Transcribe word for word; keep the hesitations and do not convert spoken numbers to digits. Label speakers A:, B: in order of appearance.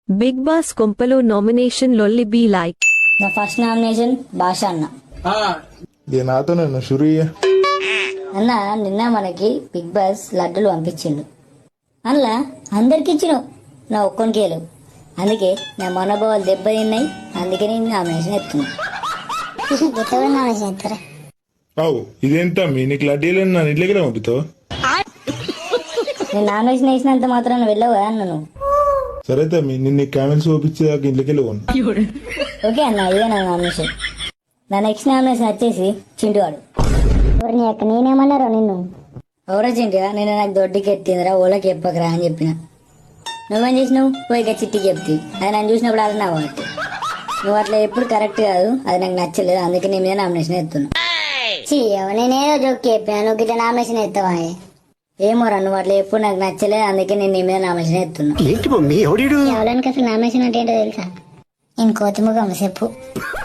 A: Big boss కొంపలో nomination లొల్లి be like.
B: నా ఫస్ట్ నామినేషన్ భాష అన్న.
C: ఇది నాతో నన్ను షురయ్య
B: అన్న నిన్న మనకి బిగ్ బాస్ లడ్డులు పంపించిండు. అందులో అందరికి ఇచ్చినావు, నా ఒక్కొనికి లేవు. అందుకే నా మనోభావాలు దెబ్బతిన్నాయి. అందుకే నేను నామినేషన్ ఎత్తున్నా. నామినేషన్ ఎత్తారా?
C: అవు ఇదేంత మీ నీకు లడ్డీలను నన్ను ఇంట్లోకి పంపుతావు.
B: నేను నామినేషన్ వేసినంత మాత్రాన వెళ్ళవు కదా అన్న నువ్వు.
C: సరే తమ్మి నిన్ను కామెంట్స్ చూపించేదాకా ఇంట్లోకి వెళ్ళి
B: ఓకే అన్న, ఇదే నా నామినేషన్. నా నెక్స్ట్ నామినేషన్ వచ్చేసి చింటువాడు. నేనేమన్నారో నిన్ను ఎవరో చింటిగా నేను నాకు దొడ్డికి ఎత్తిందిరా ఓళ్ళకి చెప్పకరా అని చెప్పిన. నువ్వేం చేసినావు? పోయిగా చిట్టికి చెప్తి. అది నన్ను చూసినప్పుడు అలా నా వాటి నువ్వు అట్లా ఎప్పుడు కరెక్ట్ కాదు, అది నాకు నచ్చలేదు. అందుకే నీ మీద నామినేషన్ ఎత్తున్నా. నేనేదో జోక్ చెప్పాను, నువ్వు ఇట్లా నామినేషన్ ఎత్తావా? ఏమోరా నువ్వు అట్లా ఎప్పుడు నాకు నచ్చలేదు. అందుకే నేను నీ మీద నామినేషన్ ఎత్తున్నా. ఎవరికి అసలు నామినేషన్ అంటే ఏంటో తెలుసా? నేను కోతిముఖం చెప్పు.